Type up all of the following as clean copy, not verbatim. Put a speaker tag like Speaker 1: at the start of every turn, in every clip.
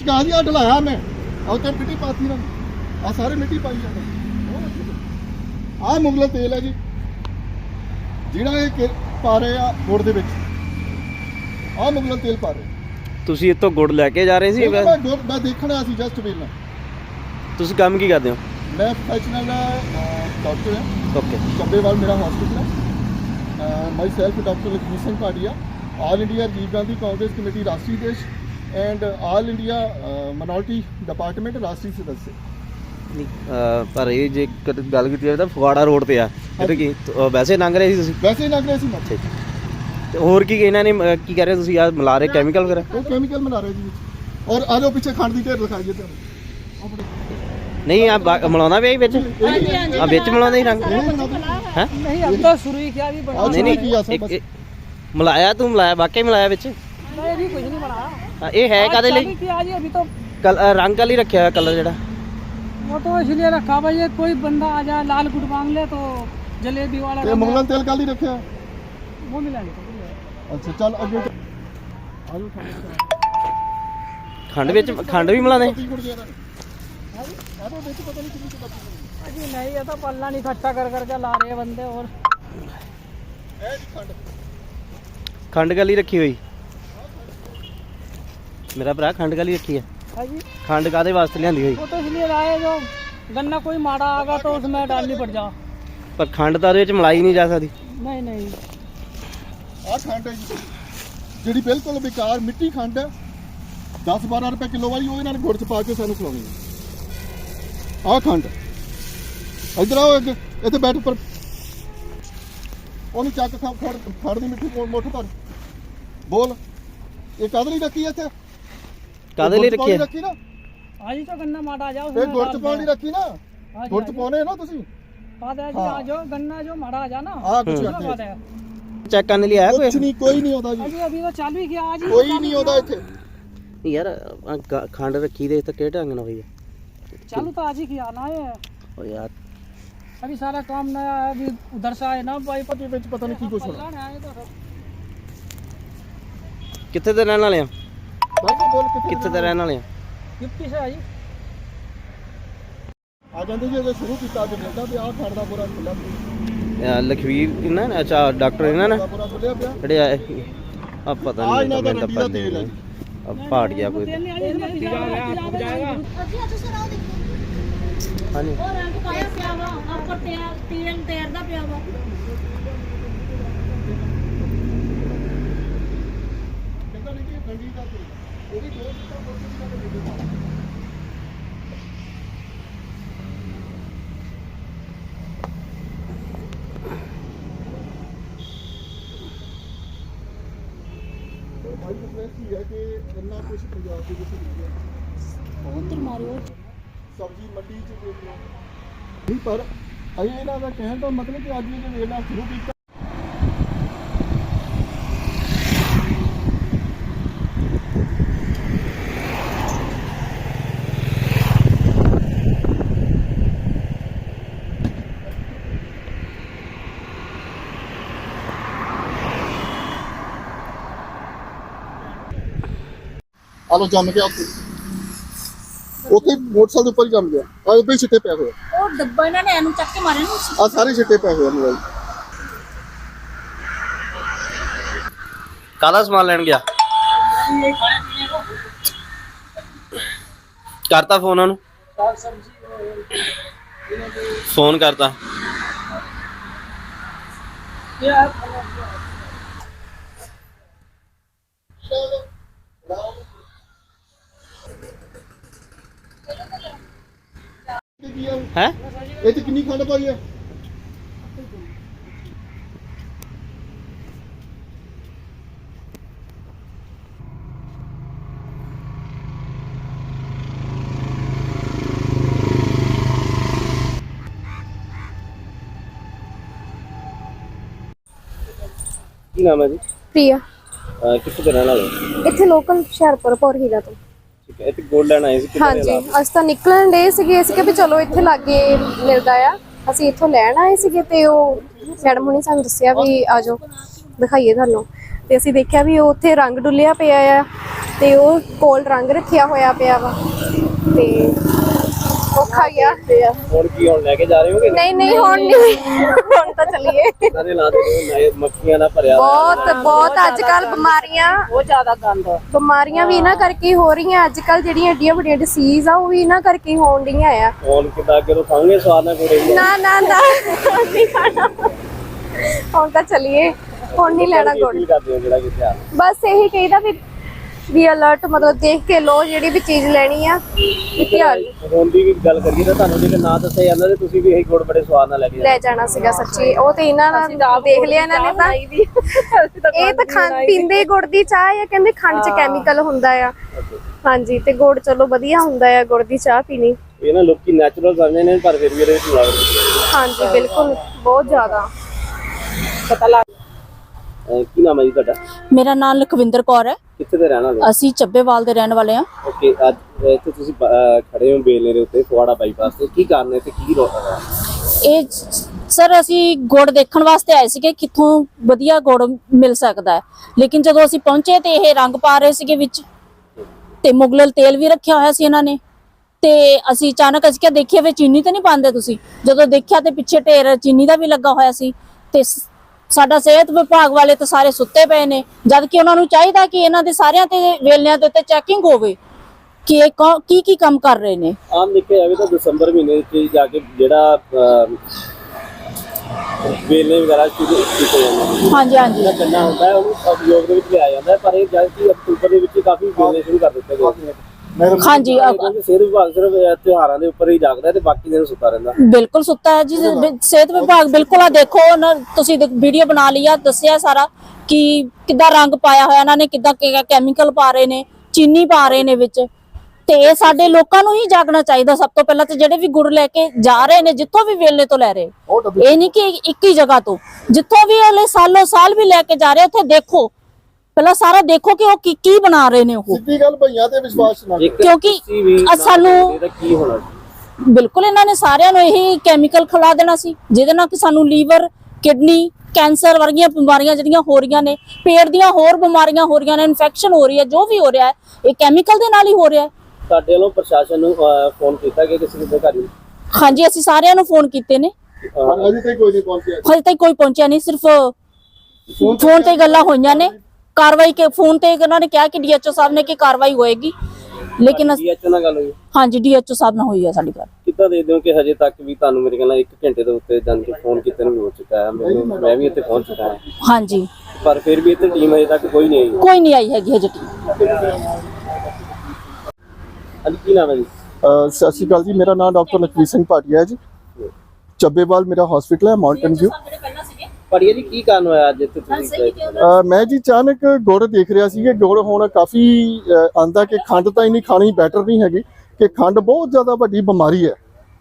Speaker 1: कहा जी ढलाया मैं और तो मिट्टी पाती ना आ सारे मिट्टी पाई जाते आ मुगला तेल है जी ਜਿਹੜਾ ਇਹ ਪਾ ਰਹੇ ਆ ਗੁੜ ਦੇ ਵਿੱਚ ਆ ਮੁਗਲਾ ਤੇਲ ਪਾ ਰਹੇ।
Speaker 2: ਤੁਸੀਂ ਇੱਥੋਂ ਗੁੜ ਲੈ ਕੇ ਜਾ ਰਹੇ ਸੀ?
Speaker 1: ਮੈਂ ਦੇਖਣਾ ਸੀ ਜਸਟ ਵੇਲਾ। ਤੁਸੀਂ
Speaker 2: ਕੰਮ ਕੀ ਕਰਦੇ ਹੋ?
Speaker 1: ਮੈਂ ਪ੍ਰੋਫੈਸ਼ਨਲ ਡਾਕਟਰ ਹਾਂ।
Speaker 2: ਓਕੇ।
Speaker 1: ਚੱਬੇਵਾਲ ਮੇਰਾ ਹਸਪੀਟਲ ਹੈ। Myself doctor Lakhvir Singh Bhatia, all India Rajiv Gandhi Congress committee ਰਾਸ਼ਟਰੀ ਦੇਸ਼ and all India minority department ਰਾਸ਼ਟਰੀ ਸਦस्य।
Speaker 2: ਪਰ ਇਹ ਜੇ ਗੱਲ ਕੀਤੀ ਜਾਵੇ ਤਾਂ ਫਗਵਾੜਾ ਰੋਡ ਤੇ ਆ, ਇਹ ਕੀ ਵੈਸੇ ਲੰਘ ਰਹੇ ਸੀ ਤੁਸੀਂ?
Speaker 1: ਵੈਸੇ ਹੀ ਲੰਘ ਰਹੇ ਸੀ ਮੱਥੇ।
Speaker 2: ਤੇ ਹੋਰ ਕੀ ਇਹਨਾਂ ਨੇ ਕੀ ਕਰ ਰਹੇ ਤੁਸੀਂ? ਆ ਮਿਲਾ ਰਹੇ ਕੈਮੀਕਲ ਵਗੈਰਾ?
Speaker 1: ਉਹ ਕੈਮੀਕਲ ਮਿਲਾ ਰਹੇ ਜੀ। ਔਰ ਆ ਜਾਓ ਪਿੱਛੇ ਖੰਡ ਦੀ ਢੇਰ ਦਿਖਾਈਏ ਤੁਹਾਨੂੰ।
Speaker 2: ਨਹੀਂ ਆ ਮਿਲਾਉਂਦਾ ਵੀ ਵਿੱਚ? ਆ ਵਿੱਚ ਮਿਲਾਉਂਦਾ ਹੀ ਰੰਗ ਹੈ?
Speaker 3: नहीं अब तो शुरू ही किया, अभी बना
Speaker 2: ਨਹੀਂ ਮਿਲਾਇਆ ਤੂੰ? ਮਿਲਾਇਆ ਵਾਕਈ ਮਿਲਾਇਆ ਵਿੱਚ?
Speaker 3: नहीं अभी कुछ नहीं बनाया।
Speaker 2: ਇਹ ਹੈ ਕਾਦੇ ਲਈ?
Speaker 3: किया जी अभी तो
Speaker 2: ਰੰਗ ਕਾਲੀ ਰੱਖਿਆ ਕਲਰ ਜਿਹੜਾ?
Speaker 3: वो तो इसलिए रखा भाई ये कोई बंदा आ जाए लाल गुड़ मांग ले तो जलेबी वाला
Speaker 1: ਤੇ ਮੁਗਲਾਂ ਤੇਲ ਕਾਲੀ ਰੱਖਿਆ?
Speaker 3: वो मिला नहीं।
Speaker 1: ਅੱਛਾ ਚੱਲ ਅੱਗੇ ਆ ਜਾਓ।
Speaker 2: ਖੰਡ ਵਿੱਚ ਖੰਡ ਵੀ ਮਿਲਾਉਂਦੇ?
Speaker 3: अजी नहीं ये तो पल्ला नहीं इकट्ठा कर करके ला रहे बंदे। और
Speaker 2: ਖੰਡ ਕਾਲੀ ਰੱਖੀ ਹੋਈ ਮੇਰਾ ਭਰਾ? ਖੰਡ ਕਾਲੀ ਰੱਖੀ ਹੈ?
Speaker 3: जी
Speaker 2: ਖੰਡ ਕਾਦੇ ਵਾਸਤੇ ਲਿਆਂਦੀ ਹੋਈ?
Speaker 3: वो तो इसलिए लाए जो गन्ना कोई माड़ा आगा तो उसमें डालनी पड़ जा।
Speaker 2: ਪਰ ਖੰਡ ਤਾਂ ਉਹਦੇ ਵਿੱਚ ਮਿਲਾਈ ਨਹੀਂ ਜਾ ਸਕਦੀ।
Speaker 3: नहीं नहीं
Speaker 1: ਆ ਖੰਡ ਹੈ ਜੀ ਜਿਹੜੀ ਬਿਲਕੁਲ ਬੇਕਾਰ ਮਿੱਟੀ ਖੰਡ ਹੈ, 10-12 ਰੁਪਏ ਕਿਲੋ ਵਾਲੀ, ਉਹ ਇਹਨਾਂ ਨੇ ਗੁੜ ਚ ਪਾ ਕੇ ਸਾਨੂੰ ਖਿਲਾਉਣੀ ਹੈ। ਆ ਖੰਡ ਇਧਰ ਆਓ ਅੱਗੇ, ਇੱਥੇ ਬੈਠ ਉੱਪਰ। ਉਹਨੂੰ ਚੱਕ ਖੜ ਦੀ ਮਿੱਟੀ ਮੁੱਠ ਭਰ। ਬੋਲ ਇਹ ਕਾਹਦੇ ਲਈ ਰੱਖੀ ਹੈ ਇੱਥੇ?
Speaker 2: ਕਾਦੇ ਲਈ ਰੱਖੀ ਹੈ?
Speaker 1: ਰੱਖੀ ਨਾ
Speaker 3: आज ही तो गन्ना माड़ा आ जाओ
Speaker 1: ਇਹ ਗੁੜ ਚ ਪਾਉਣ ਲਈ ਰੱਖੀ ਨਾ। ਗੁੜ ਚ ਪਾਉਣੇ ਨਾ ਤੁਸੀਂ।
Speaker 3: बात है जी आ जाओ गन्ना जो माड़ा आ जा ना।
Speaker 1: ਆ ਕੁਝ
Speaker 3: उसमें बात
Speaker 1: ਰੱਖੇ
Speaker 3: है।
Speaker 2: ਚੈੱਕ ਕਰਨ ਲਈ ਆਇਆ ਕੋਈ?
Speaker 1: ਕੁਝ ਨਹੀਂ, ਕੋਈ ਨਹੀਂ ਆਉਂਦਾ ਜੀ।
Speaker 3: अजी अभी तो चालू ही किया आज ही।
Speaker 1: ਕੋਈ ਨਹੀਂ ਆਉਂਦਾ ਇੱਥੇ।
Speaker 2: ਯਾਰ ਖੰਡ ਰੱਖੀ ਦੇ ਤਾਂ ਕਿਹੜੇ ਢੰਗ ਨਾਲ ਹੋਈ ਹੈ?
Speaker 3: चालू तो आज ही किया ना ये।
Speaker 2: ਓ ਯਾਰ
Speaker 3: अभी सारा काम नया है, अभी उधर से आए ना भाई
Speaker 1: ਪਤੀ ਵਿੱਚ ਪਤਾ ਨਹੀਂ ਕੀ ਕੁਛ ਹੋਣਾ।
Speaker 3: पल्ला आए तो सब
Speaker 2: ਕਿੱਥੇ ਦੇ ਰਹਿਣ ਵਾਲੇ ਆ?
Speaker 1: ਬਾਕੀ ਬੋਲ
Speaker 2: ਕਿੱਥੇ ਦੇ ਰਹਿਣ ਵਾਲੇ ਆ?
Speaker 3: गिफ्टी से आई।
Speaker 1: ਆ ਜਾਂਦੇ ਜੀ, ਜਦੋਂ ਸ਼ੁਰੂ ਕੀਤਾ ਅੱਜ ਮਿਲਦਾ ਤੇ ਆਹ ਖੰਡ ਦਾ ਬੁਰਾ ਖੁੱਲਾ ਪਿਆ।
Speaker 2: ਲਖਵੀਰ ਇਹਨਾਂ ਨੇ? ਅੱਛਾ ਡਾਕਟਰ ਇਹਨਾਂ ਨੇ
Speaker 1: ਬੁਰਾ ਖੁੱਲਿਆ ਪਿਆ।
Speaker 2: ਜਿਹੜੇ ਆਏ ਆ ਪਤਾ
Speaker 1: ਆ
Speaker 2: ਨਹੀਂ
Speaker 1: ਇਹਨਾਂ ਦਾ
Speaker 2: ਮੈਨੂੰ ਤਾਂ
Speaker 1: ਰੰਡੀ ਦਾ
Speaker 2: ਪਤਾ
Speaker 1: ਤੇਲ ਹੈ
Speaker 2: ਨਹੀਂ।
Speaker 1: ਜੀ।
Speaker 2: ਪਾੜ ਗਿਆ ਕੋਈ।
Speaker 3: तेल नहीं आई इसमें जाएगा।
Speaker 2: ਹਾਂਜੀ
Speaker 4: ਉਹ ਰੰਗ ਪਾਇਆ ਪਿਆ ਵਾ ਆਪਾਂ ਤੇਲ ਤੇਰਦਾ ਪਿਆ ਵਾ।
Speaker 1: ਕਹਿੰਦਾ ਨਹੀਂ ਕਿ ਰੰਡੀ ਦਾ ਤੇਲ ਉਹਦੀ ਡੋਜ਼ ਤਾਂ ਬਹੁਤ ਜ਼ਿਆਦਾ ਦੇ ਦੇ। ਭਾਈ ਰਿਕਵੈਸਟ ਹੀ ਹੈ ਕਿ ਇੰਨਾ ਕੁਝ ਪੰਜਾਬ ਦੇ ਵਿੱਚ ਨਹੀਂ ਹੈ।
Speaker 4: ਉਹ ਉਧਰ ਮਾਰਿਓ।
Speaker 1: ਸਬਜ਼ੀ ਮੰਡੀ ਚ ਦੇਖ ਲਓ ਨਹੀਂ, ਪਰ ਅਸੀਂ ਇਹਨਾਂ ਦਾ ਕਹਿਣ ਦਾ ਮਤਲਬ ਕਿ ਅੱਜ ਇਹ ਵੇਲਾ ਸ਼ੁਰੂ ਕੀਤਾ। ਆਲੋ ਜੰਮ ਗਿਆ ਉੱਥੇ ਮੋਟਰਸਾਈਕਲ ਦੇ ਉੱਪਰ ਹੀ ਜੰਮ ਗਿਆ। ਆ ਉੱਤੇ ਹੀ ਛਿੱਟੇ ਪਏ ਹੋਏ।
Speaker 4: ਉਹ ਡੱਬਾ ਇਹਨਾਂ ਨੇ ਇਹਨੂੰ ਚੱਕ ਕੇ ਮਾਰਿਆ ਨਾ।
Speaker 1: ਆ ਸਾਰੇ ਛਿੱਟੇ ਪਏ ਹੋਏ ਨੇ।
Speaker 2: ਕਾਹਦਾ ਸਮਾਨ ਲੈਣ ਗਿਆ? ਕਰਤਾ ਫੋਨ ਉਹਨੂੰ? ਫੋਨ ਕਰਤਾ? ਹੈ
Speaker 1: ਇਹ ਚ ਕਿੰਨੀ ਖੰਡ ਪਾਈ ਹੈ?
Speaker 2: ਕੀ ਨਾਮ ਹੈ ਜੀ?
Speaker 5: ਪ੍ਰਿਆ।
Speaker 2: ਕਿੱਥੇ ਦੇ ਰਹਿਣ ਵਾਲੇ?
Speaker 5: ਇੱਥੇ ਲੋਕਲ ਹੁਸ਼ਿਆਰਪੁਰ ਭੌਰ ਹੀਰਾ ਤੋਂ।
Speaker 2: ਠੀਕ ਹੈ। ਇੱਥੇ ਗੋਲਡ ਲੈਣ ਆਏ ਸੀ?
Speaker 5: ਹਾਂਜੀ ਅਸੀਂ ਤਾਂ ਨਿਕਲਣ ਡੇ ਸੀਗੇ, ਅਸੀਂ ਕਿ ਵੀ ਚਲੋ ਇੱਥੇ ਲਾਗੇ ਮਿਲਦਾ ਆ, ਅਸੀਂ ਇੱਥੋਂ ਲੈਣ ਆਏ ਸੀਗੇ ਤੇ ਉਹ ਮੈਡਮ ਹੁਣੀ ਸਾਨੂੰ ਦੱਸਿਆ ਵੀ ਆ ਜਾਓ ਦਿਖਾਈਏ ਤੁਹਾਨੂੰ। ਤੇ ਅਸੀਂ ਦੇਖਿਆ ਵੀ ਉਹ ਉੱਥੇ ਰੰਗ ਡੁੱਲਿਆ ਪਿਆ ਆ ਤੇ ਉਹ ਕੋਲ ਰੰਗ ਰੱਖਿਆ ਹੋਇਆ ਪਿਆ ਵਾ ਤੇ ਔਖਾ ਗਿਆ
Speaker 2: ਹੁਣ ਕੀ ਹੁਣ ਲੈ ਕੇ ਜਾ ਰਹੇ ਹੋਗੇ?
Speaker 5: ਨਹੀਂ ਨਹੀਂ ਹੁਣ ਨਹੀਂ, ਹੁਣ ਤਾਂ ਚੱਲੀਏ।
Speaker 2: ਸਾਰੇ ਲਾ ਦੇ ਨਏ ਮੱਖੀਆਂ ਨਾਲ ਭਰਿਆ
Speaker 5: ਬਹੁਤ ਅੱਜ ਕੱਲ ਬਿਮਾਰੀਆਂ ਵੀ ਇਹਨਾਂ ਕਰਕੇ ਹੀ ਹੋ ਰਹੀਆਂ। ਅੱਜ ਕੱਲ ਜਿਹੜੀਆਂ ਏਡੀਆਂ ਵੱਡੀਆਂ ਡਿਸੀਜ਼ ਆ ਉਹ ਵੀ ਇਹਨਾਂ ਕਰਕੇ ਹੀ ਹੋਣ ਡੀਆਂ ਆ।
Speaker 2: ਹੁਣ ਕਿੱਦਾਂ ਅੱਗੇ ਤੋਂ ਖਾਂਗੇ ਸਵਾਦ ਨਾਲ ਕੋੜੇ
Speaker 5: ਨਾ ਨਹੀਂ ਖਾਣਾ, ਹੁਣ ਤਾਂ ਚੱਲੀਏ, ਹੁਣ ਨਹੀਂ ਲੈਣਾ ਗੁੜ।
Speaker 2: ਕਰਦੇ ਹੋ ਜਿਹੜਾ ਕਿੱਥੇ ਆ
Speaker 5: ਬਸ ਇਹੀ ਕਹੀਦਾ ਵੀ ਅਲਰਟ ਮਤਲਬ ਦੇਖ ਕੇ ਲੋ ਜਿਹੜੀ ਵੀ ਚੀਜ਼ ਲੈਣੀ ਆ ਧਿਆਨ
Speaker 2: ਹੁਣ ਦੀ ਵੀ ਗੱਲ ਕਰੀਏ ਤਾਂ ਤੁਹਾਨੂੰ ਜੇ ਨਾ ਦੱਸਿਆ ਜਾਂਦਾ ਤੇ ਤੁਸੀਂ ਵੀ ਇਹੀ ਗੁੜ ਬੜੇ ਸਵਾਦ ਨਾਲ
Speaker 5: ਲੈ ਜਾਣਾ ਸੀਗਾ ਸੱਚੀ। ਉਹ ਤੇ ਇਹਨਾਂ ਨਾਲ ਦੇਖ ਲਿਆ ਇਹਨਾਂ ਨੇ ਤਾਂ ਇਹ ਤਾਂ ਪੀਂਦੇ ਗੁੜ ਦੀ ਚਾਹ ਆ, ਕਹਿੰਦੇ ਖੰਡ 'ਚ ਕੈਮੀਕਲ ਹੁੰਦਾ ਆ। ਹਾਂਜੀ ਤੇ ਗੁੜ ਚਲੋ ਵਧੀਆ ਹੁੰਦਾ ਆ ਗੁੜ ਦੀ ਚਾਹ ਪੀਣੀ।
Speaker 2: ਇਹ ਨਾ ਲੋਕੀ ਨੈਚੁਰਲ ਸਮਝਦੇ ਨੇ ਪਰ ਫਿਰ ਵੀ ਇਹਦੇ ਵਿੱਚ ਮਿਲਾਵਟ।
Speaker 5: ਹਾਂਜੀ ਬਿਲਕੁਲ ਬਹੁਤ ਜ਼ਿਆਦਾ
Speaker 3: पता लग
Speaker 2: ਕੀ ਨਾਮ ਹੈ ਜੀ ਤੁਹਾਡਾ?
Speaker 6: ਮੇਰਾ ਨਾਮ ਲਖਵਿੰਦਰ ਕੌਰ ਹੈ।
Speaker 2: ਕਿੱਥੇ ਦੇ ਰਹਿਣ ਵਾਲੇ?
Speaker 6: ਅਸੀਂ ਚੱਬੇਵਾਲ ਦੇ ਰਹਿਣ ਵਾਲੇ ਹਾਂ।
Speaker 2: ਓਕੇ, ਅੱਜ ਇੱਥੇ ਤੁਸੀਂ ਖੜੇ ਹੋ ਬੇਲੇ ਦੇ ਉੱਤੇ ਫਗਵਾੜਾ ਬਾਈਪਾਸ ਤੇ, ਕੀ ਕਾਰਨ ਹੈ ਤੇ ਕੀ ਰੋਕ ਹੈ?
Speaker 6: ਇਹ ਸਰ ਅਸੀਂ ਗੁੜ ਦੇਖਣ ਵਾਸਤੇ ਆਏ ਸੀਗੇ ਕਿੱਥੋਂ ਵਧੀਆ ਗੁੜ ਮਿਲ ਸਕਦਾ ਹੈ, ਲੇਕਿਨ ਜਦੋਂ ਅਸੀਂ ਪਹੁੰਚੇ ਤੇ ਇਹ ਰੰਗ ਪਾ ਰਹੇ ਸੀਗੇ ਵਿੱਚ ਤੇ ਮੁਗਲਲ ਤੇਲ ਵੀ ਰੱਖਿਆ ਹੋਇਆ ਸੀ ਇਹਨਾਂ ਨੇ। ਤੇ ਅਸੀਂ ਅਚਾਨਕ ਅਸੀਂ ਕਿਹਾ ਦੇਖੀਏ ਵੀ ਚੀਨੀ ਤਾਂ ਨਹੀਂ ਪਾਉਂਦੇ ਤੁਸੀਂ। ਜਦੋਂ ਦੇਖਿਆ ਤੇ ਪਿੱਛੇ ਢੇਰ ਚੀਨੀ ਦਾ ਵੀ ਲੱਗਾ ਹੋਇਆ ਸੀ ਤੇ ਸਾਡਾ ਸਿਹਤ ਵਿਭਾਗ ਵਾਲੇ ਤਾਂ ਸਾਰੇ ਸੁੱਤੇ ਪਏ ਨੇ, ਜਦ ਕਿ ਉਹਨਾਂ ਨੂੰ ਚਾਹੀਦਾ ਕਿ ਇਹਨਾਂ ਦੇ ਸਾਰਿਆਂ ਤੇ ਵੇਲਿਆਂ ਦੇ ਉੱਤੇ ਚੈਕਿੰਗ ਹੋਵੇ ਕਿ ਇਹ ਕੀ ਕੰਮ ਕਰ ਰਹੇ ਨੇ।
Speaker 2: ਆਮ ਦੇਖਿਆ ਜਾਵੇ ਤਾਂ ਦਸੰਬਰ ਮਹੀਨੇ ਵਿੱਚ ਜਾ ਕੇ ਜਿਹੜਾ ਵੇਲੇ ਵਗੈਰਾ ਸ਼ੁਰੂ ਕੀਤੇ ਜਾਂਦੇ।
Speaker 6: ਹਾਂਜੀ ਹਾਂਜੀ
Speaker 2: ਜਿਹੜਾ ਗੰਨਾ ਹੁੰਦਾ ਹੈ ਉਹਨੂੰ ਉਪਯੋਗ ਦੇ ਵਿੱਚ ਲਿਆਇਆ ਜਾਂਦਾ ਹੈ, ਪਰ ਇਹ ਜਦ ਕਿ ਅਕਤੂਬਰ ਦੇ ਵਿੱਚ ਕਾਫੀ ਵੇਲੇ ਸ਼ੁਰੂ ਕਰ ਦਿੱਤੇ ਗਏ।
Speaker 6: ਹਾਂਜੀ
Speaker 2: ਸਿਹਤ ਵਿਭਾਗ ਸਿਰਫ ਤਿਉਹਾਰਾਂ ਦੇ ਉੱਪਰ ਹੀ ਜਾਗਦਾ ਤੇ ਬਾਕੀ ਦਿਨ ਸੁੱਤਾ ਰਹਿੰਦਾ।
Speaker 6: ਬਿਲਕੁਲ ਸੁੱਤਾ ਹੈ ਜੀ ਸਿਹਤ ਵਿਭਾਗ। ਬਿਲਕੁਲ ਆ ਦੇਖੋ ਤੁਸੀਂ ਵੀਡੀਓ ਬਣਾ ਲਈ ਆ, ਦੱਸਿਆ ਸਾਰਾ ਕਿ ਕਿੱਦਾਂ ਰੰਗ ਪਾਇਆ ਹੋਇਆ ਇਹਨਾਂ ਨੇ, ਕਿੱਦਾਂ ਕੈਮੀਕਲ ਪਾ ਰਹੇ ਨੇ, ਚੀਨੀ ਪਾ ਰਹੇ ਨੇ ਵਿੱਚ। ਤੇ ਇਹ ਸਾਡੇ ਲੋਕਾਂ ਨੂੰ ਹੀ ਜਾਗਣਾ ਚਾਹੀਦਾ ਸਭ ਤੋਂ ਪਹਿਲਾਂ। ਤੇ ਜਿਹੜੇ ਵੀ ਗੁੜ ਲੈ ਕੇ ਜਾ ਰਹੇ ਨੇ ਜਿੱਥੋਂ ਵੀ ਵੇਲੇ ਤੋਂ ਲੈ ਰਹੇ, ਇਹ ਨਹੀਂ ਕਿ ਇੱਕ ਹੀ ਜਗ੍ਹਾ ਤੋਂ, ਜਿੱਥੋਂ ਵੀ ਅਗਲੇ ਸਾਲੋਂ ਸਾਲ ਵੀ ਲੈ ਕੇ ਜਾ ਰਹੇ ਉੱਥੇ ਦੇਖੋ ਪਹਿਲਾਂ ਸਾਰਾ ਦੇਖੋ ਕਿ ਉਹ ਕੀ ਬਣਾ ਰਹੇ ਨੇ। ਉਹ
Speaker 1: ਸਿੱਧੀ ਗੱਲ ਭਈਆਂ ਤੇ ਵਿਸ਼ਵਾਸ ਨਾ ਕਰੋ,
Speaker 6: ਕਿਉਂਕਿ ਸਾਨੂੰ
Speaker 2: ਕੀ ਹੋਣਾ
Speaker 6: ਬਿਲਕੁਲ ਇਹਨਾਂ ਨੇ ਸਾਰਿਆਂ ਨੂੰ ਇਹੀ ਕੈਮੀਕਲ ਖਿਲਾ ਦੇਣਾ ਸੀ ਜਿਹਦੇ ਨਾਲ ਕਿ ਸਾਨੂੰ ਲੀਵਰ, ਕਿਡਨੀ, ਕੈਂਸਰ ਵਰਗੀਆਂ ਬਿਮਾਰੀਆਂ ਜਿਹੜੀਆਂ ਹੋ ਰਹੀਆਂ ਨੇ, ਪੇਟ ਦੀਆਂ ਹੋਰ ਬਿਮਾਰੀਆਂ ਹੋ ਰਹੀਆਂ ਨੇ, ਇਨਫੈਕਸ਼ਨ ਹੋ ਰਹੀ ਹੈ, ਜੋ ਵੀ ਹੋ ਰਿਹਾ ਹੈ ਇਹ ਕੈਮੀਕਲ ਦੇ ਨਾਲ ਹੀ ਹੋ ਰਿਹਾ ਹੈ।
Speaker 2: ਸਾਡੇ ਵੱਲੋਂ ਪ੍ਰਸ਼ਾਸਨ ਨੂੰ ਫੋਨ ਕੀਤਾ ਕਿ ਕਿਸੇ ਦੇ ਘਰ?
Speaker 6: ਹਾਂਜੀ ਅਸੀਂ ਸਾਰਿਆਂ ਨੂੰ ਫੋਨ ਕੀਤੇ ਨੇ,
Speaker 1: ਅਜੇ ਤੱਕ ਕੋਈ ਨਹੀਂ ਪਹੁੰਚਿਆ।
Speaker 6: ਹਜੇ ਤੱਕ ਕੋਈ ਪਹੁੰਚਿਆ ਨਹੀਂ, ਸਿਰਫ ਫੋਨ ਤੇ ਗੱਲਾਂ ਹੋਈਆਂ ਨੇ। ਕਾਰਵਾਈ ਕੇ ਫੋਨ ਤੇ ਉਹਨਾਂ ਨੇ ਕਿਹਾ ਕਿ ਡੀਐਚਓ ਸਾਹਿਬ ਨੇ ਕਿ ਕਾਰਵਾਈ ਹੋਏਗੀ, ਲੇਕਿਨ
Speaker 2: ਡੀਐਚਓ ਨਾਲ ਗੱਲ ਹੋਈ?
Speaker 6: ਹਾਂਜੀ ਡੀਐਚਓ ਸਾਹਿਬ ਨਾਲ ਹੋਈ ਹੈ ਸਾਡੀ ਗੱਲ।
Speaker 2: ਕਿੱਦਾਂ ਦੇਖਦੇ ਹੋ ਕਿ ਹਜੇ ਤੱਕ ਵੀ ਤੁਹਾਨੂੰ ਮੇਰੇ ਖਿਆਲ ਨਾਲ 1 ਘੰਟੇ ਦੇ ਉੱਤੇ ਜਾਣ ਕੇ ਫੋਨ ਕੀਤੇ ਨੂੰ ਹੋ ਚੁੱਕਾ ਹੈ, ਮੈਂ ਵੀ ਇੱਥੇ ਪਹੁੰਚ ਚੁੱਕਾ ਹਾਂ,
Speaker 6: ਹਾਂਜੀ
Speaker 2: ਪਰ ਫਿਰ ਵੀ ਇੱਥੇ ਟੀਮ ਹਜੇ ਤੱਕ ਕੋਈ ਨਹੀਂ ਆਈ?
Speaker 6: ਕੋਈ ਨਹੀਂ ਆਈ ਹੈਗੀ ਹਜੇ ਟੀਮ।
Speaker 2: ਅੱਜ ਕੀ ਨਾਮ ਹੈ ਜੀ?
Speaker 1: ਸਤਿ ਸ਼੍ਰੀ ਅਕਾਲ ਜੀ, ਮੇਰਾ ਨਾਮ ਡਾਕਟਰ ਲਖਵੀਰ ਸਿੰਘ ਭਾਟੀਆ ਹੈ ਜੀ। ਚੱਬੇਵਾਲ ਮੇਰਾ ਹਸਪੀਟਲ ਹੈ, ਮਾਊਂਟਨ ਵਿਊ।
Speaker 2: ਪੜੀਏ ਜੀ, ਕੀ ਕਾਰਨ ਹੋਇਆ ਅੱਜ ਇੱਥੇ ਤੁਸੀਂ?
Speaker 1: ਮੈਂ ਜੀ ਅਚਾਨਕ ਗੁੜ ਦੇਖ ਰਿਹਾ ਸੀ ਕਿ ਗੁੜ ਹੁਣ ਕਾਫੀ ਆਂਦਾ ਕਿ ਖੰਡ ਤਾਂ ਇੰਨੀ ਖਾਣੀ ਬੈਟਰ ਨਹੀਂ ਹੈਗੀ, ਕਿ ਖੰਡ ਬਹੁਤ ਜ਼ਿਆਦਾ ਵੱਡੀ ਬਿਮਾਰੀ ਹੈ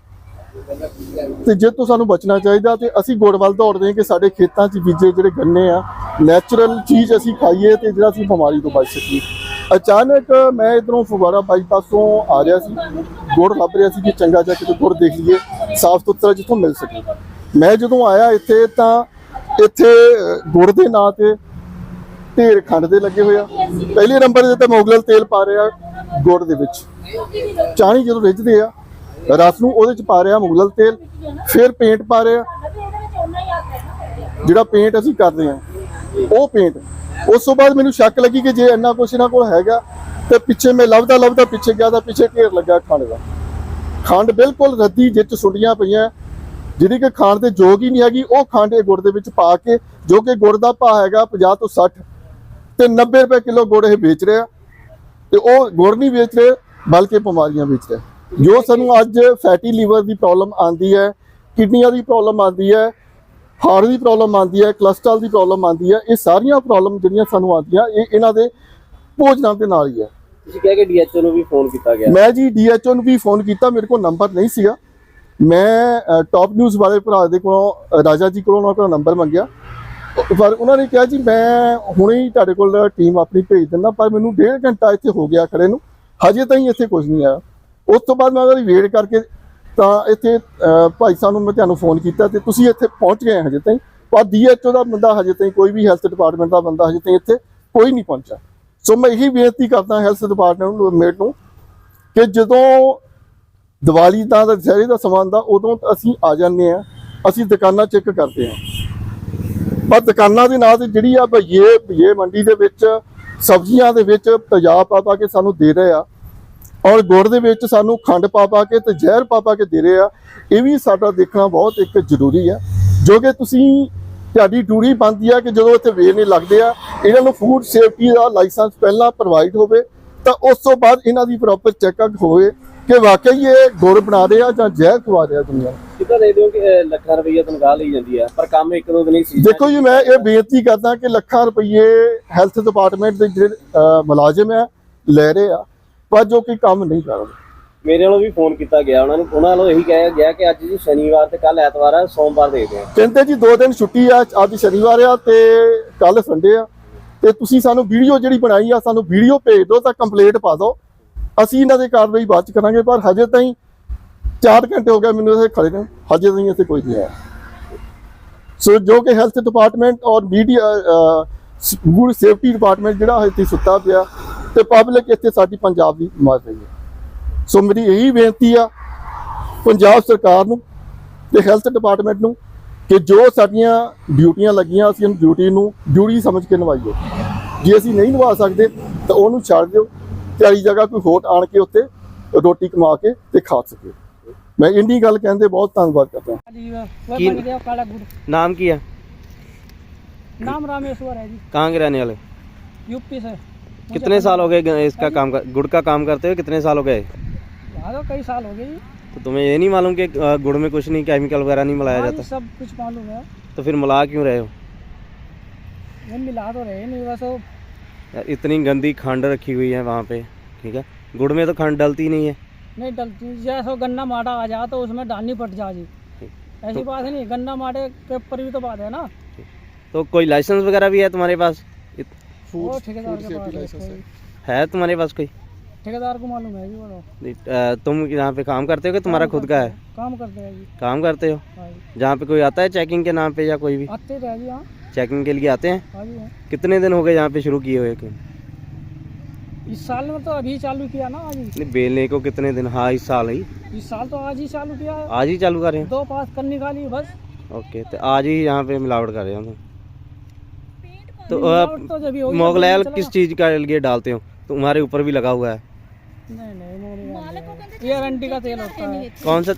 Speaker 1: ਤੇ ਜੇ ਤੋਂ ਸਾਨੂੰ ਬਚਣਾ ਚਾਹੀਦਾ ਤੇ ਅਸੀਂ ਗੁੜ ਵੱਲ ਦੌੜਦੇ ਹਾਂ ਕਿ ਸਾਡੇ ਖੇਤਾਂ 'ਚ ਬੀਜੇ ਜਿਹੜੇ ਗੰਨੇ ਆ ਨੈਚੁਰਲ ਚੀਜ਼ ਅਸੀਂ ਖਾਈਏ ਤੇ ਜਿਹੜਾ ਅਸੀਂ ਬਿਮਾਰੀ ਤੋਂ ਬਚ ਸਕੀਏ। ਅਚਾਨਕ ਮੈਂ ਇਧਰੋਂ ਫਗਵਾੜਾ ਬਾਈਪਾਸ ਤੋਂ ਆ ਰਿਹਾ ਸੀ, ਗੁੜ ਲੱਭ ਰਿਹਾ ਸੀ ਕਿ ਚੰਗਾ ਜਿਹਾ ਕਿਤੇ ਗੁੜ ਦੇਖ ਲਈਏ ਸਾਫ਼ ਸੁਥਰਾ ਜਿੱਥੋਂ ਮਿਲ ਸਕੇ। ਮੈਂ ਜਦੋਂ ਆਇਆ ਇੱਥੇ ਤਾਂ ਇੱਥੇ ਗੁੜ ਦੇ ਨਾਂ ਤੇ ਢੇਰ ਖੰਡ ਦੇ ਲੱਗੇ ਹੋਇਆ। ਪਹਿਲੇ ਨੰਬਰ ਦੇ ਤੇ ਮੁਗਲਲ ਤੇਲ ਪਾ ਰਿਹਾ ਗੁੜ ਦੇ ਵਿੱਚ, ਚਾਣੀ ਜਦੋਂ ਰਿੱਝਦੇ ਆ ਰਸ ਨੂੰ ਉਹਦੇ ਚ ਪਾ ਰਿਹਾ ਮੁਗਲਲ ਤੇਲ, ਫਿਰ ਪੇਂਟ ਪਾ ਰਿਹਾ, ਜਿਹੜਾ ਪੇਂਟ ਅਸੀਂ ਕਰਦੇ ਆ ਉਹ ਪੇਂਟ। ਉਸ ਤੋਂ ਬਾਅਦ ਮੈਨੂੰ ਸ਼ੱਕ ਲੱਗੀ ਕਿ ਜੇ ਇੰਨਾ ਕੁਛ ਇਹਨਾਂ ਕੋਲ ਹੈਗਾ ਤੇ ਪਿੱਛੇ ਮੈਂ ਲੱਭਦਾ ਪਿੱਛੇ ਗਿਆ ਤਾਂ ਪਿੱਛੇ ਢੇਰ ਲੱਗਾ ਖੰਡ ਦਾ। ਖੰਡ ਬਿਲਕੁਲ ਰੱਦੀ ਜਿੱਚ ਸੁੰਡੀਆਂ ਪਈਆਂ, ਜਿਹੜੀ ਕਿ ਖਾਣ ਦੇ ਯੋਗ ਹੀ ਨਹੀਂ ਹੈਗੀ, ਉਹ ਖੰਡ ਇਹ ਗੁੜ ਦੇ ਵਿੱਚ ਪਾ ਕੇ, ਜੋ ਕਿ ਗੁੜ ਦਾ ਭਾਅ ਹੈਗਾ 50 ਤੋਂ 60 ਤੇ 90 ਰੁਪਏ ਕਿਲੋ ਗੁੜ ਇਹ ਵੇਚ ਰਿਹਾ। ਤੇ ਉਹ ਗੁੜ ਨਹੀਂ ਵੇਚ ਰਹੇ ਬਲਕਿ ਬਿਮਾਰੀਆਂ ਵੇਚ ਰਿਹਾ। ਜੋ ਸਾਨੂੰ ਅੱਜ ਫੈਟੀ ਲੀਵਰ ਦੀ ਪ੍ਰੋਬਲਮ ਆਉਂਦੀ ਹੈ, ਕਿਡਨੀਆਂ ਦੀ ਪ੍ਰੋਬਲਮ ਆਉਂਦੀ ਹੈ, ਹਾਰਟ ਦੀ ਪ੍ਰੋਬਲਮ ਆਉਂਦੀ ਹੈ, ਕੋਲੇਸਟ੍ਰੋਲ ਦੀ ਪ੍ਰੋਬਲਮ ਆਉਂਦੀ ਹੈ, ਇਹ ਸਾਰੀਆਂ ਪ੍ਰੋਬਲਮ ਜਿਹੜੀਆਂ ਸਾਨੂੰ ਆਉਂਦੀਆਂ ਇਹ ਇਹਨਾਂ ਦੇ ਭੋਜਨਾਂ ਦੇ ਨਾਲ ਹੀ ਹੈ।
Speaker 2: ਤੁਸੀਂ ਕਹਿ ਕੇ ਡੀਐਚਓ ਨੂੰ ਵੀ ਫੋਨ ਕੀਤਾ ਗਿਆ?
Speaker 1: ਮੈਂ ਜੀ ਡੀਐਚਓ ਨੂੰ ਵੀ ਫੋਨ ਕੀਤਾ, ਮੇਰੇ ਕੋਲ ਨੰਬਰ ਨਹੀਂ ਸੀਗਾ। ਮੈਂ ਟੌਪ ਨਿਊਜ਼ ਵਾਲੇ ਭਰਾ ਦੇ ਕੋਲੋਂ ਰਾਜਾ ਜੀ ਕੋਲੋਂ ਉਹਨਾਂ ਕੋਲ ਨੰਬਰ ਮੰਗਿਆ, ਪਰ ਉਹਨਾਂ ਨੇ ਕਿਹਾ ਜੀ ਮੈਂ ਹੁਣੇ ਹੀ ਤੁਹਾਡੇ ਕੋਲ ਟੀਮ ਆਪਣੀ ਭੇਜ ਦਿੰਦਾ, ਪਰ ਮੈਨੂੰ 1.5 ਘੰਟਾ ਇੱਥੇ ਹੋ ਗਿਆ ਖੜੇ ਨੂੰ, ਹਜੇ ਤਾਈਂ ਇੱਥੇ ਕੁਝ ਨਹੀਂ ਆਇਆ। ਉਸ ਤੋਂ ਬਾਅਦ ਮੈਂ ਉਹਦੀ ਵੇਟ ਕਰਕੇ ਤਾਂ ਇੱਥੇ ਭਾਈ ਸਾਹਿਬ ਨੂੰ ਮੈਂ ਤੁਹਾਨੂੰ ਫੋਨ ਕੀਤਾ ਤੇ ਤੁਸੀਂ ਇੱਥੇ ਪਹੁੰਚ ਗਏ ਹਜੇ ਤਾਈਂ, ਪਰ DHO ਦਾ ਬੰਦਾ ਹਜੇ ਤਾਈਂ, ਕੋਈ ਵੀ ਹੈਲਥ ਡਿਪਾਰਟਮੈਂਟ ਦਾ ਬੰਦਾ ਹਜੇ ਤਾਈਂ ਇੱਥੇ ਕੋਈ ਨਹੀਂ ਪਹੁੰਚਿਆ। ਸੋ ਮੈਂ ਇਹੀ ਬੇਨਤੀ ਕਰਦਾ ਹੈਲਥ ਡਿਪਾਰਟਮੈਂਟ ਨੂੰ ਕਿ ਜਦੋਂ ਦੀਵਾਲੀ ਦਾ ਦੁਸਹਿਰੇ ਦਾ ਸਮਾਂ ਦਾ ਉਦੋਂ ਅਸੀਂ ਆ ਜਾਂਦੇ ਹਾਂ, ਅਸੀਂ ਦੁਕਾਨਾਂ ਚੈੱਕ ਕਰਦੇ ਹਾਂ, ਪਰ ਦੁਕਾਨਾਂ ਦੇ ਨਾਂ ਤੇ ਜਿਹੜੀ ਆ ਭਈਏ ਮੰਡੀ ਦੇ ਵਿੱਚ ਸਬਜ਼ੀਆਂ ਦੇ ਵਿੱਚ ਤੇਜ਼ਾਬ ਪਾ ਕੇ ਸਾਨੂੰ ਦੇ ਰਹੇ ਆ, ਔਰ ਗੁੜ ਦੇ ਵਿੱਚ ਸਾਨੂੰ ਖੰਡ ਪਾ ਕੇ ਤੇ ਜ਼ਹਿਰ ਪਾ ਕੇ ਦੇ ਰਹੇ ਆ। ਇਹ ਵੀ ਸਾਡਾ ਦੇਖਣਾ ਬਹੁਤ ਇੱਕ ਜ਼ਰੂਰੀ ਹੈ, ਜੋ ਕਿ ਤੁਹਾਡੀ ਡਿਊਟੀ ਬਣਦੀ ਆ ਕਿ ਜਦੋਂ ਇੱਥੇ ਵੇਰਨੇ ਲੱਗਦੇ ਆ, ਇਹਨਾਂ ਨੂੰ ਫੂਡ ਸੇਫਟੀ ਦਾ ਲਾਇਸੈਂਸ ਪਹਿਲਾਂ ਪ੍ਰੋਵਾਈਡ ਹੋਵੇ, ਤਾਂ ਉਸ ਤੋਂ ਬਾਅਦ ਇਹਨਾਂ ਦੀ ਪ੍ਰੋਪਰ ਚੈੱਕਅਪ ਹੋਵੇ ਕਿ ਵਾਕਈ ਇਹ ਗੁੜ ਬਣਾ ਰਹੇ ਆ ਜਾਂ ਜ਼ਹਿਰ ਖਵਾ ਰਹੇ ਆ ਦੁਨੀਆ ਨੂੰ।
Speaker 2: ਕਿੱਦਾਂ ਦੇ ਦਿਓ ਕਿ ਲੱਖਾਂ ਰੁਪਈਆ ਤਨਖਾਹ ਲਈ ਜਾਂਦੀ ਹੈ, ਪਰ ਕੰਮ ਇੱਕ ਦੋ ਦਿਨ ਹੀ ਸੀ।
Speaker 1: ਦੇਖੋ ਜੀ, ਮੈਂ ਇਹ ਬੇਨਤੀ ਕਰਦਾ ਕਿ ਲੱਖਾਂ ਰੁਪਏ ਹੈਲਥ ਡਿਪਾਰਟਮੈਂਟ ਦੇ ਜਿਹੜੇ ਮੁਲਾਜ਼ਮ ਆ ਲੈ ਰਹੇ ਆ, ਪਰ ਜੋ ਕਿ ਕੰਮ ਨਹੀਂ ਕਰ ਰਹੇ।
Speaker 2: ਮੇਰੇ ਵੱਲੋਂ ਵੀ ਫੋਨ ਕੀਤਾ ਗਿਆ ਉਹਨਾਂ ਵੱਲੋਂ ਇਹੀ ਕਿਹਾ ਗਿਆ ਕਿ ਅੱਜ ਜੀ ਸ਼ਨੀਵਾਰ ਤੇ ਕੱਲ ਐਤਵਾਰ ਆ, ਸੋਮਵਾਰ ਦੇਖਦੇ ਆ।
Speaker 1: ਕਹਿੰਦੇ ਜੀ 2 ਦਿਨ ਛੁੱਟੀ ਆ, ਅੱਜ ਸ਼ਨੀਵਾਰ ਆ ਤੇ ਕੱਲ ਸੰਡੇ ਆ, ਤੇ ਤੁਸੀਂ ਸਾਨੂੰ ਵੀਡੀਓ ਜਿਹੜੀ ਬਣਾਈ ਆ ਸਾਨੂੰ ਵੀਡੀਓ ਭੇਜ ਦਿਓ ਤਾਂ ਕੰਪਲੇਂਟ ਪਾ ਦਿਓ, ਅਸੀਂ ਇਹਨਾਂ ਦੀ ਕਾਰਵਾਈ ਬਾਅਦ ਚ ਕਰਾਂਗੇ। ਪਰ ਹਜੇ ਤਾਈਂ 4 ਘੰਟੇ ਹੋ ਗਏ ਮੈਨੂੰ ਇੱਥੇ ਖੜੇ ਨੇ, ਹਜੇ ਤਾਈਂ ਇੱਥੇ ਕੋਈ ਨਹੀਂ ਆਇਆ। ਸੋ ਜੋ ਕਿ ਹੈਲਥ ਡਿਪਾਰਟਮੈਂਟ ਔਰ ਮੀਡੀਆ ਫੂਡ ਸੇਫਟੀ ਡਿਪਾਰਟਮੈਂਟ ਜਿਹੜਾ ਇੱਥੇ ਸੁੱਤਾ ਪਿਆ ਤੇ ਪਬਲਿਕ ਇੱਥੇ ਸਾਡੀ ਪੰਜਾਬ ਦੀ ਮਾਰ ਰਹੀ ਹੈ। ਸੋ ਮੇਰੀ ਇਹੀ ਬੇਨਤੀ ਆ ਪੰਜਾਬ ਸਰਕਾਰ ਨੂੰ ਤੇ ਹੈਲਥ ਡਿਪਾਰਟਮੈਂਟ ਨੂੰ ਕਿ ਜੋ ਸਾਡੀਆਂ ਡਿਊਟੀਆਂ ਲੱਗੀਆਂ ਅਸੀਂ ਡਿਊਟੀ ਨੂੰ ਡਿਊਟੀ ਸਮਝ ਕੇ ਨਿਭਾਈਏ। ਜੇ ਅਸੀਂ ਨਹੀਂ ਨਿਭਾ ਸਕਦੇ ਤਾਂ ਉਹਨੂੰ ਛੱਡ ਦਿਓ, ਤਿਆਰੀ ਜਗ੍ਹਾ ਕੋਈ ਹੋਰ ਆਣ ਕੇ ਉੱਤੇ ਰੋਟੀ ਕਮਾ ਕੇ ਤੇ ਖਾ ਸਕੇ। ਮੈਂ ਇੰਨੀ ਗੱਲ ਕਹਿੰਦੇ ਬਹੁਤ ਧੰਨਵਾਦ करता हूँ।
Speaker 3: वह बन गया काला गुड़।
Speaker 2: नाम क्या?
Speaker 3: नाम रामेश्वर है जी,
Speaker 2: कहाँ के रहने वाले?
Speaker 3: यूपी से।
Speaker 2: कितने साल हो गए इसका काम गुड़ का काम करते हुए? कितने साल हो गए?
Speaker 3: तो कई साल हो गए जी।
Speaker 2: तो तुम्हें ये नहीं मालूम कि गुड़ में कुछ नहीं केमिकल वगैरह नहीं मिलाया
Speaker 3: हाँ जी,
Speaker 2: जाता?
Speaker 3: सब कुछ मालूम है।
Speaker 2: तो फिर मिला क्यों रहे हो?
Speaker 3: ये मिला तो रहे नहीं, बस वो
Speaker 2: यार इतनी गंदी खंड रखी हुई है वहाँ पे, ठीक है? गुड़ में तो खंड डलती नहीं है।
Speaker 3: नहीं डलती। जैसे गन्ना माटा आ जाए तो उसमें डालनी पड़ जा जी, ऐसी बात है नहीं। गन्ना माटे के ऊपर भी तो बात है ना।
Speaker 2: तो कोई लाइसेंस वगैरह भी है तुम्हारे पास?
Speaker 3: वो ठेकेदार के पास
Speaker 2: है तुम्हारे पास कोई?
Speaker 3: ठेकेदार को मालूम है जी। वो
Speaker 2: तुम यहाँ पे काम करते हो कि तुम्हारा खुद का है?
Speaker 3: काम करते हैं जी।
Speaker 2: काम करते हो?
Speaker 3: हाँ जी।
Speaker 2: जहाँ पे कोई आता है चेकिंग के नाम पे या कोई भी
Speaker 3: आते रहे जी। हाँ
Speaker 2: चेकिंग के लिए आते हैं?
Speaker 3: हाँ जी। हाँ।
Speaker 2: कितने दिन हो गए यहाँ पे शुरू किए हुए?
Speaker 3: इस साल में तो अभी चालू किया ना आज ही।
Speaker 2: नहीं, बेलने को कितने दिन? हाँ, इस साल ही।
Speaker 3: इस साल तो आज ही चालू किया है।
Speaker 2: आज ही चालू कर रहे हैं?
Speaker 3: 2 पास कर निकाली बस।
Speaker 2: ओके, तो आज ही यहाँ पे मिलावट कर रहे हो तुम? तो
Speaker 3: मिलावट तो जब भी होगी,
Speaker 2: मोगलाई
Speaker 3: जब भी
Speaker 2: किस
Speaker 3: चलेगा।
Speaker 2: चीज़ का लिए डालते हो? तुम्हारे ऊपर भी लगा हुआ है।
Speaker 3: नहीं नहीं मोगलाई, ये अरंडी का तेल होता है।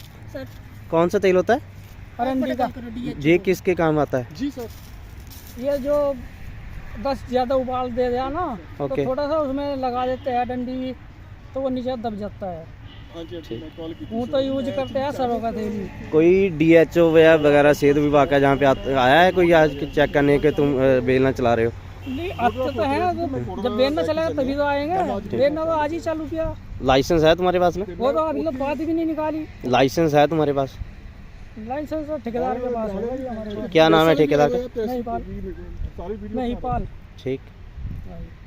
Speaker 2: कौन सा तेल होता है?
Speaker 3: अरंडी का।
Speaker 2: ये किसके काम आता है?
Speaker 1: जी सर।
Speaker 3: ये जो 10 ज़्यादा उबाल दे दिया ना, तो
Speaker 2: ओके।
Speaker 3: थोड़ा सा उसमें लगा देते हैं डंडी, तो वो नीचे दब जाता है। वो तो यूज करते हैं सरों का तेल ही।
Speaker 2: कोई DHO वगैरह सेहत विभाग का जहाँ पे आया है कोई आज चेक करने के तुम बेलना चला रहे हो?
Speaker 3: नहीं आते तो है, जब बेलना चलेगा तभी तो आएंगे। बेलना तो आज ही चालू किया।
Speaker 2: लाइसेंस है तुम्हारे पास में?
Speaker 3: वो तो अभी तक बात भी नहीं निकाली।
Speaker 2: लाइसेंस है तुम्हारे पास?
Speaker 3: लाइसेंस तो ठेकेदार के पास होगा जी हमारे पास।
Speaker 2: क्या नाम है ठेकेदार का?
Speaker 3: नहीं पाल। नहीं पाल।
Speaker 2: ठीक।